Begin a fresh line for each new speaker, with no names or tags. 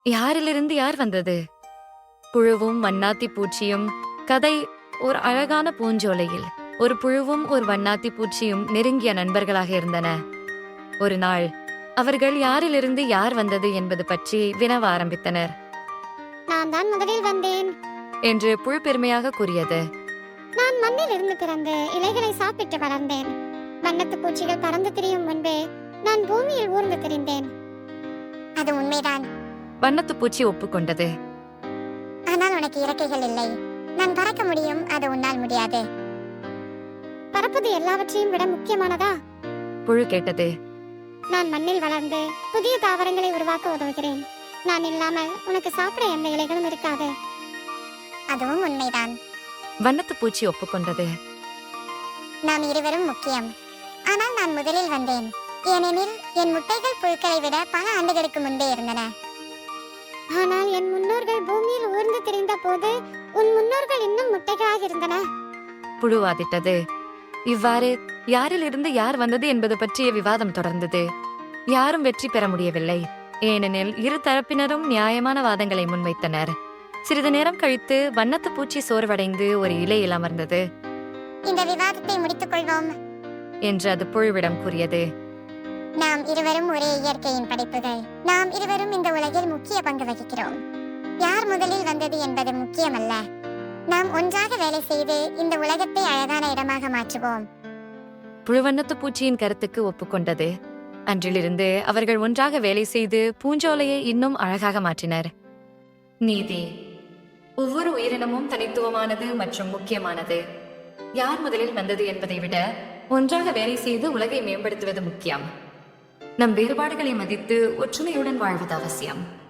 யாரிலிருந்து யார் வந்தது? புழுவும் வண்ணாத்தி பூச்சியும். கதை: ஒரு அழகான பூஞ்சோலையில் ஒரு புழுவும் ஒரு வண்ணாத்தி பூச்சியும் நெருங்கிய நண்பர்களாக இருந்தன. ஒரு நாள் அவர்கள் யாரிலிருந்து யார் வந்தது என்பது பற்றி வினவ ஆரம்பித்தனர்.
நான் தான் முதலில் வந்தேன்
என்று புழு பெருமையாக கூறியது.
நான் மண்ணில் இருந்து பிறந்து இலைகளை சாப்பிட்டு வளர்ந்தேன். வண்ணத்து பூச்சிகள் பறந்து திரியும் முன்பே நான் பூமியில் ஊர்ந்து திரிந்தேன். அது உண்மைதான்.
வண்ணத்து பூச்சி ஒப்புக்கொண்டது.
ஆனால் உனக்கு இறக்கைகள் இல்லை. நான் பறக்க முடியும், அது உன்னால் முடியாது. பறப்பது எல்லாவற்றையும் விட முக்கியமானதா?
புழு கேட்டது.
நான் மண்ணில் வளர்ந்து புதிய தாவரங்களை உருவாக்க உதவுகிறேன். நான் இல்லாமல் உனக்கு சாப்பிட எந்த இலைகளும் இருக்காது. அதுவும் உண்மைதான்.
வண்ணத்து பூச்சி ஒப்புக்கொண்டது.
நாம் இருவரும் முக்கியம். ஆனால் நான் முதலில் வந்தேன், ஏனெனில் என் முட்டைகள் புழுக்களை விட பல ஆண்டுகளுக்கு முன்பே இருந்தன. ஆனால் என் முன்னோர்கள் பூமியில் ஊர்ந்து திரிந்த போது உன் முன்னோர்கள் இன்னும் முட்டைகளாக இருந்தன.
புழு வாதிட்டது. இவ்வாறு யாரிலிருந்து யார் வந்தது என்பது பற்றிய விவாதம் தொடர்ந்தது. யாரும் வெற்றி பெற முடியவில்லை, ஏனெனில் இரு தரப்பினரும் நியாயமான வாதங்களை முன்வைத்தனர். சிறிது நேரம் கழித்து வண்ணத்து பூச்சி சோர்வடைந்து ஒரு இலையில் அமர்ந்தது.
இந்த விவாதத்தை முடித்துக் கொள்வோம்
என்று அது புழுவிடம் கூறியது.
நாம் இருவரும் ஒரே இயற்கையின் படைப்புகள். நாம் இருவரும் இந்த உலகில் முக்கிய பங்கு வகிக்கிறோம். யார் முதலில் வந்தது என்பது முக்கியமல்ல. நாம் ஒன்றாக வேலை செய்து இந்த உலகத்தை அழகான இடமாக மாற்றுவோம்.
புழுவண்ணத்து பூச்சியின் கருத்துக்கு ஒப்புக்கொண்டது. அன்றிலிருந்து அவர்கள் ஒன்றாக வேலை செய்து பூஞ்சோலையை இன்னும் அழகாக மாற்றினர். நீதி: ஒவ்வொரு உயிரினமும் தனித்துவமானது மற்றும் முக்கியமானது. யார் முதலில் வந்தது என்பதை விட ஒன்றாக வேலை செய்து உலகை மேம்படுத்துவது முக்கியம். நம் வேறுபாடுகளை மதித்து ஒற்றுமையுடன் வாழ்வது அவசியம்.